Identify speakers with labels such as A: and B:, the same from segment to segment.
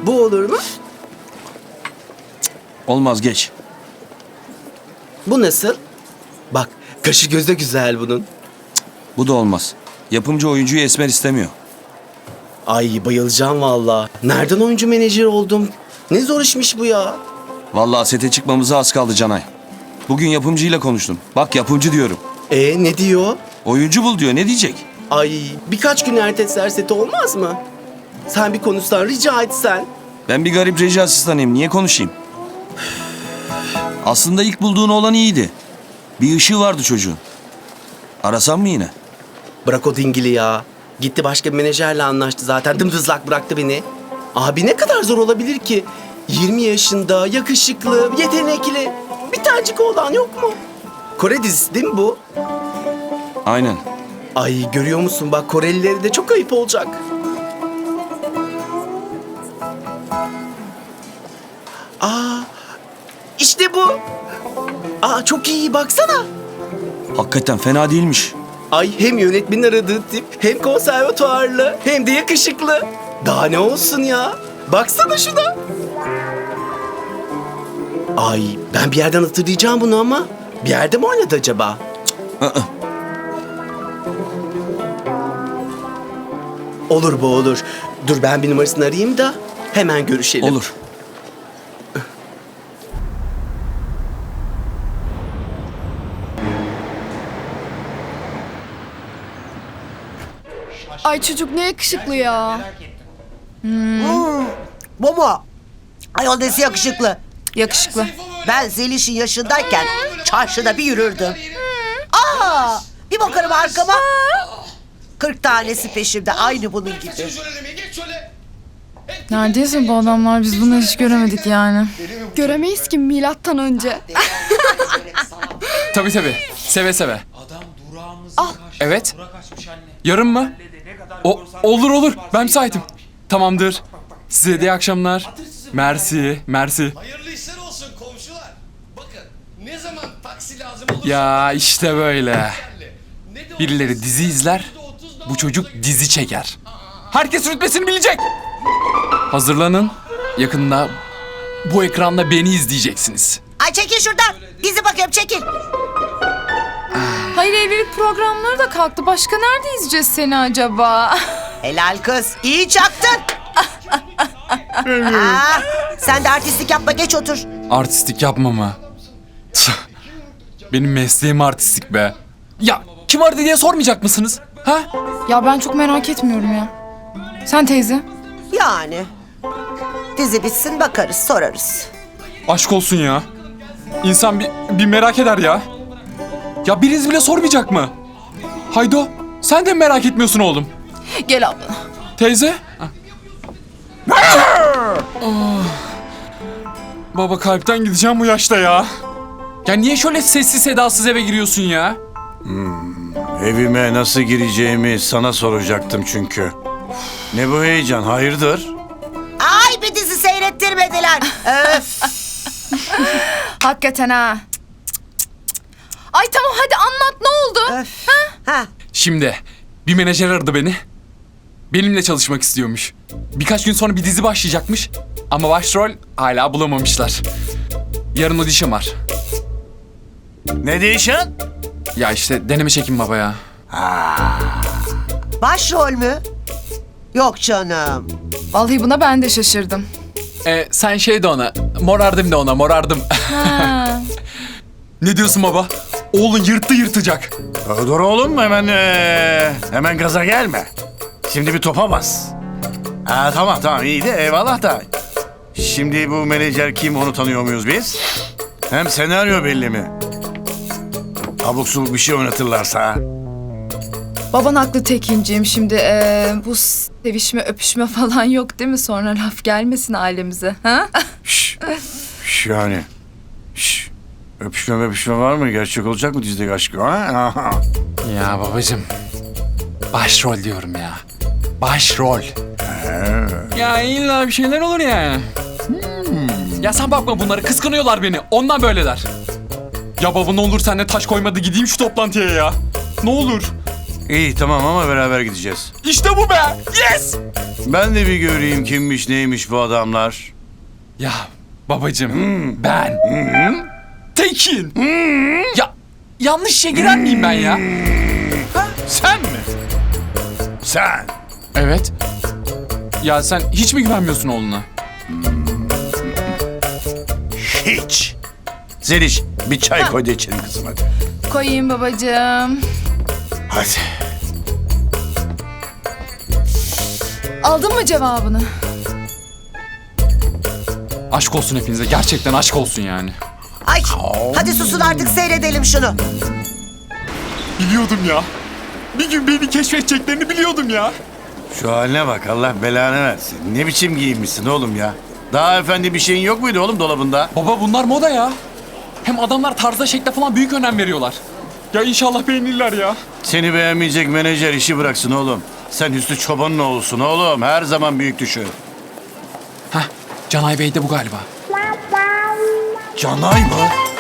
A: Bu olur mu?
B: Olmaz, geç.
A: Bu nasıl? Bak, kaşı gözü güzel bunun.
B: Bu da olmaz. Yapımcı oyuncuyu esmer istemiyor.
A: Ay bayılacağım valla. Nereden oyuncu menajeri oldum? Ne zor işmiş bu ya.
B: Vallahi sete çıkmamıza az kaldı Canay. Bugün yapımcıyla konuştum. Bak yapımcı diyorum.
A: Ne diyor?
B: Oyuncu bul diyor, ne diyecek?
A: Ay birkaç gün erteleseler seti olmaz mı? Sen bir konuşsan, rica etsen.
B: Ben bir garip reji asistanıyım, niye konuşayım? Aslında ilk bulduğun olan iyiydi. Bir ışığı vardı çocuğun. Arasam mı yine?
A: Bırak o dingili ya. Gitti başka bir menajerle anlaştı zaten. Dımdızlak bıraktı beni. Abi ne kadar zor olabilir ki? 20 yaşında, yakışıklı, yetenekli. Bir tanecik oğlan yok mu? Kore dizisi değil mi bu?
B: Aynen.
A: Ay görüyor musun bak Korelileri de çok ayıp olacak. İşte bu. Çok iyi baksana.
B: Hakikaten fena değilmiş.
A: Ay hem yönetmenin aradığı tip, hem konservatuarlı, hem de yakışıklı. Daha ne olsun ya? Baksana şuna. Ay ben bir yerden hatırlayacağım bunu ama. Bir yerde mi oynadı acaba?
B: Aa,
A: Olur bu olur. Dur ben bir numarasını arayayım da hemen görüşelim.
B: olur.
C: Ay çocuk ne yakışıklı ya.
D: Bu mu? Ayol nesi yakışıklı.
C: Yakışıklı.
D: Ben Zeliş'in yaşındayken çarşıda bir yürürdüm. Bir bakarım arkama. 40 tanesi peşimde aynı bunun gibi.
C: Neredeyse bu adamlar, biz bunu hiç göremedik yani. Göremeyiz ki milattan önce.
E: Tabii. Seve seve. Evet. Yarın mı? Olur. Ben müsaitim. Tamamdır. Size de iyi akşamlar. Mersi.
F: Hayırlı işler olsun komşular. Bakın ne zaman taksi lazım olursa...
E: Ya işte böyle.
F: Ne de
E: Birileri dizi izler, bu çocuk dizi çeker. Herkes rütbesini bilecek. Hazırlanın. Yakında bu ekranda beni izleyeceksiniz.
D: Ay çekil şuradan. Dizi bakıyorum çekil.
C: Hayır, evlilik programları da kalktı. Başka nerede izleyeceğiz seni acaba?
D: Helal kız. İyi çaktın. Sen de artistlik yapma geç otur.
E: Artistik yapma mı? Benim mesleğim artistik be. Ya kim aradı diye sormayacak mısınız? Ha?
C: Ya ben çok merak etmiyorum ya. Sen teyze?
D: Yani. Dizi bitsin bakarız sorarız.
E: Aşk olsun ya. İnsan bir merak eder ya. Ya biriniz bile sormayacak mı? Haydo, sen de mi merak etmiyorsun oğlum?
C: Gel abla.
E: Teyze? Oh. Baba kalpten gideceğim bu yaşta ya. Ya niye şöyle sessiz sedasız eve giriyorsun ya?
G: Evime nasıl gireceğimi sana soracaktım çünkü. Ne bu heyecan, hayırdır?
D: Ay bir dizi seyrettirmediler. Öf.
C: Hakikaten ha. Ay tamam hadi anlat, ne oldu?
D: Öf. Ha.
E: Şimdi bir menajer aradı beni. Benimle çalışmak istiyormuş. Birkaç gün sonra bir dizi başlayacakmış. Ama başrol hala bulamamışlar. Yarın audition var.
G: Ne değişen?
E: Ya işte deneme çekim baba ya.
D: Başrol mü? Yok canım.
C: Vallahi buna ben de şaşırdım.
E: Sen şey de ona, morardım de ona, morardım.
C: Ha.
E: Ne diyorsun baba? Oğlun yırtacak.
G: Dur oğlum hemen gaza gelme. Şimdi bir topa bas. Tamam iyi de eyvallah da. Şimdi bu menajer kim, onu tanıyor muyuz biz? Hem senaryo belli mi? Abuk subuk bir şey oynatırlarsa ha?
C: Baban haklı Tekinciğim, şimdi bu sevişme öpüşme falan yok değil mi? Sonra laf gelmesin ailemize. Ha?
G: Şş, yani. Şş, öpüşme var mı? Gerçek olacak mı dizideki aşkı? Ha?
E: Ya babacığım, başrol diyorum ya. Başrol. Ya illa bir şeyler olur ya. Ya sen bakma, bunları kıskanıyorlar beni. Ondan böyleler. Ya baba ne olur sen de taş koymadı, gideyim şu toplantıya ya. Ne olur.
G: İyi tamam ama beraber gideceğiz.
E: İşte bu be. Yes.
G: Ben de bir göreyim kimmiş neymiş bu adamlar.
E: Ya babacığım ben Tekin. Ya yanlış işe girer miyim ben ya?
G: Sen mi? Sen.
E: Evet. Ya sen hiç mi güvenmiyorsun oğluna?
G: Hiç. Zeliş bir çay koy da içelim kızım hadi.
C: Koyayım babacığım.
G: Hadi.
C: Aldın mı cevabını?
E: Aşk olsun hepinize. Gerçekten aşk olsun yani.
D: Ay hadi susun artık seyredelim şunu.
E: Biliyordum ya. Bir gün beni keşfedeceklerini biliyordum ya.
G: Şu haline bak Allah belanı versin. Ne biçim giyinmişsin oğlum ya. Daha efendi bir şeyin yok muydu oğlum dolabında?
E: Baba bunlar moda ya. Hem adamlar tarza şekle falan büyük önem veriyorlar. Ya inşallah beğenirler ya.
G: Seni beğenmeyecek menajer işi bıraksın oğlum. Sen Hüsnü Çoban'ın oğlusun oğlum. Her zaman büyük düşün.
E: Heh, Canay Bey de bu galiba.
G: Canay mı?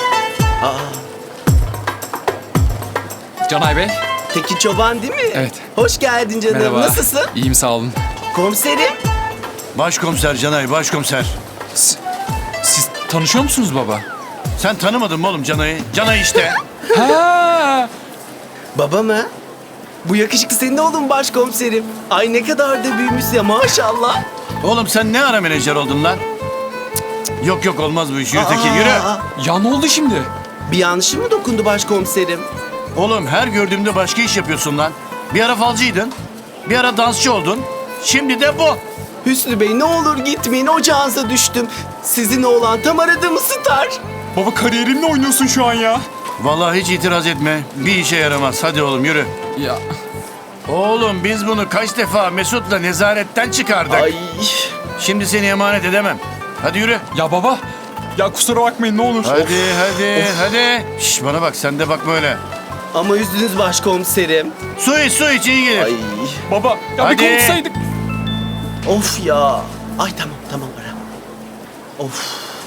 E: Canay Bey.
A: Tekin Çoban değil mi?
E: Evet.
A: Hoş geldin canım.
E: Merhaba.
A: Nasılsın?
E: İyiyim sağ olun.
A: Komiserim.
G: Başkomiser Canay, başkomiser.
E: Siz tanışıyor musunuz baba?
G: Sen tanımadın mı oğlum Canay'ı? Canay işte.
E: Ha.
A: Baba mı? Bu yakışıklı senin oğlun başkomiserim. Ay ne kadar da büyümüş ya maşallah.
G: Oğlum sen ne ara menajer oldun lan? Cık, cık. Yok yok olmaz bu iş. Yürü Tekin yürü.
E: Ya ne oldu şimdi?
A: Bir yanlışım mı dokundu başkomiserim?
G: Oğlum her gördüğümde başka iş yapıyorsun lan. Bir ara falcıydın. Bir ara dansçı oldun. Şimdi de bu.
A: Hüsnü Bey ne olur gitmeyin ocağınıza düştüm. Sizin oğlan tam aradığımı star.
E: Baba kariyerimle oynuyorsun şu an ya.
G: Vallahi hiç itiraz etme. Bir işe yaramaz. Hadi oğlum yürü.
E: Ya
G: Oğlum biz bunu kaç defa Mesut'la nezaretten çıkardık.
A: Ay.
G: Şimdi seni emanet edemem. Hadi yürü.
E: ya baba. Ya kusura bakmayın ne olur.
G: Hadi. Şş, bana bak sen de bak böyle.
A: Ama üzdünüz başkomiserim.
G: Su iç iyi gelir.
A: Ay.
E: Baba ya
G: Hadi.
E: bir konuşsaydık.
A: Of ya. Ay tamam ara. Of.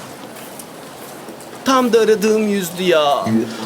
A: Tam da aradığım yüzdü ya.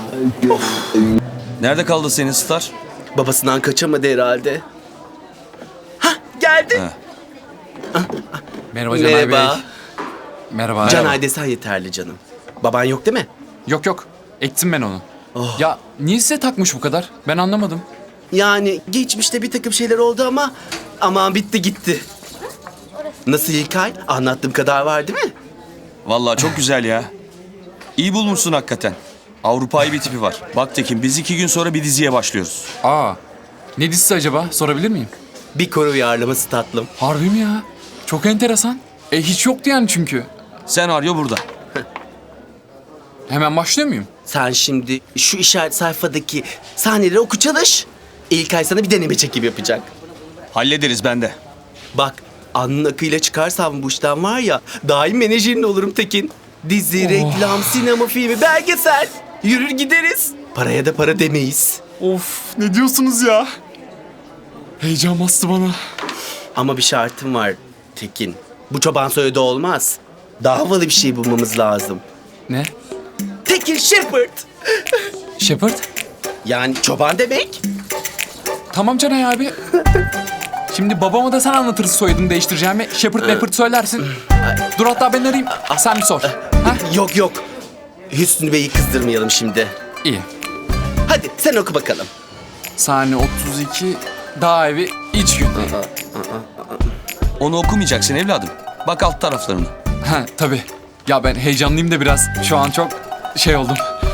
B: Nerede kaldı senin Star?
A: Babasından kaçamadı herhalde. Hah geldi.
B: Ha.
E: Merhaba Canay
A: Merhaba.
E: Bey. Merhaba.
A: Canay desen yeterli canım. Baban yok değil mi?
E: Yok. Ektim ben onu. Ya niye size takmış bu kadar? Ben anlamadım.
A: Yani geçmişte bir takım şeyler oldu ama aman bitti gitti. Nasıl İlkay? Anlattığım kadar var değil mi?
B: Vallahi çok güzel ya. İyi bulmuşsun hakikaten. Avrupa'yı bir tipi var. Bak Tekin biz 2 gün sonra bir diziye başlıyoruz.
E: Aa. Ne dizisi acaba? Sorabilir miyim?
A: Bir koro uyarlaması tatlım.
E: Harbi mi ya? Çok enteresan. Hiç yoktu yani çünkü.
B: Senaryo burada.
E: Hemen başlıyor muyum?
A: Sen şimdi şu işaret sayfadaki sahneleri oku çalış. İlkay sana bir deneme çekim yapacak.
B: Hallederiz bende.
A: Bak alnın akıyla çıkarsam bu işten var ya daim menajerin olurum Tekin. Dizi, reklam, sinema filmi, belgesel. Yürür gideriz. Paraya da para demeyiz.
E: Of ne diyorsunuz ya? Heyecan bastı bana.
A: Ama bir şartım var Tekin. Bu çoban soyadı olmaz. Daha havalı bir şey bulmamız lazım.
E: Ne?
A: Tekin Shepard.
E: Shepard?
A: Yani çoban demek.
E: Tamam Canay abi. Şimdi babama da sen anlatırsın soyadını değiştireceğimi. Shepard Mepard söylersin. Dur hatta ben arayayım. Sen bir sor. Ha?
A: Yok. Hüsnü Bey'i kızdırmayalım şimdi.
E: İyi.
A: Hadi sen oku bakalım.
E: Sahne 32. Dağ evi iç gün.
B: Onu okumayacaksın evladım. Bak alt taraflarına.
E: Ha tabii. Ya ben heyecanlıyım da biraz. Şu an çok şey oldum.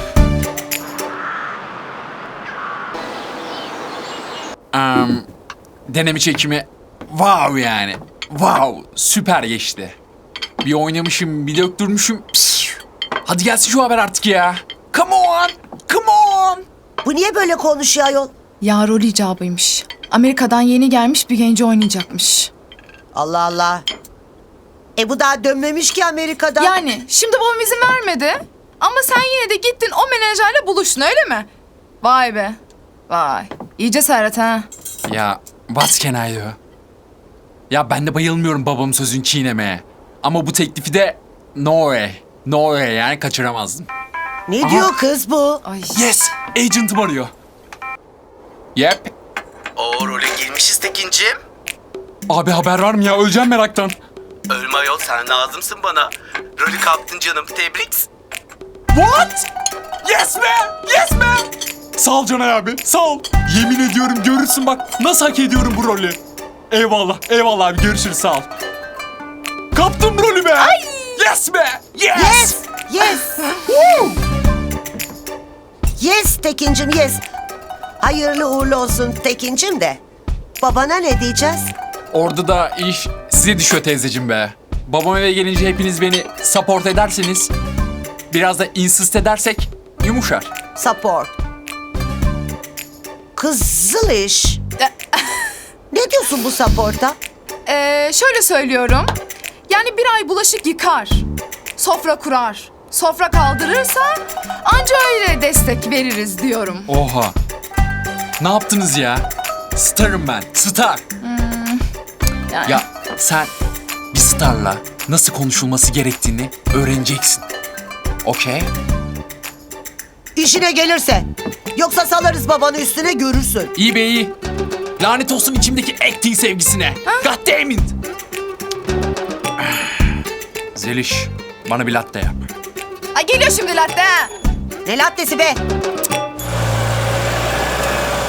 E: Deneme çekimi wow yani. Wow süper geçti. Bir oynamışım bir döktürmüşüm. Pişt. Hadi gelsin şu haber artık ya. Come on.
D: Bu niye böyle konuşuyor ayol?
C: Ya rol icabıymış. Amerika'dan yeni gelmiş bir genci oynayacakmış.
D: Allah Allah. Bu daha dönmemiş ki Amerika'dan.
C: Yani şimdi babam izin vermedi. Ama sen yine de gittin o menajerle buluştun öyle mi? Vay be. Vay. İyi cesaret ha.
E: Ya what can I do? Ya ben de bayılmıyorum babamın sözünü çiğnemeye. Ama bu teklifi de no way. No way yani kaçıramazdım.
D: Ne diyor kız bu?
C: Ay.
E: Yes, agent'ım arıyor. Yep,
A: O role girmişiz Tekin'cim.
E: Abi haber var mı ya? Öleceğim meraktan.
A: Ölme ayol, sen lazımsın bana. Rolü kaptın canım, tebrik.
E: What? Yes be! Yes be! Sağ ol Canay abi, sağ ol. Yemin ediyorum görürsün bak nasıl hak ediyorum bu rolü. Eyvallah, eyvallah abi görüşürüz sağ ol. Kaptım rolü be! Ay! Yes be! Yes!
D: Yes, yes. Yes Tekincim, yes. Hayırlı uğurlu olsun Tekincim de. Babana ne diyeceğiz?
E: Orada da iş size düşüyor teyzeciğim be. Babam eve gelince hepiniz beni support ederseniz, biraz da insist edersek yumuşar.
D: Support. Kızıl iş. Ne diyorsun bu support'a?
C: Şöyle söylüyorum. Yani bir ay bulaşık yıkar. Sofra kurar. Sofra kaldırırsa anca öyle destek veririz diyorum.
E: Oha. Ne yaptınız ya? Starım ben, star.
C: Yani.
E: Ya sen bir starla nasıl konuşulması gerektiğini öğreneceksin. Okey?
D: İşine gelirse. Yoksa salarız babanı üstüne görürsün.
E: İyi be iyi. Lanet olsun içimdeki acting sevgisine. God damn it. Zeliş, bana bir latte yap.
C: Ay geliyor şimdi latte.
D: Ne lattesi be?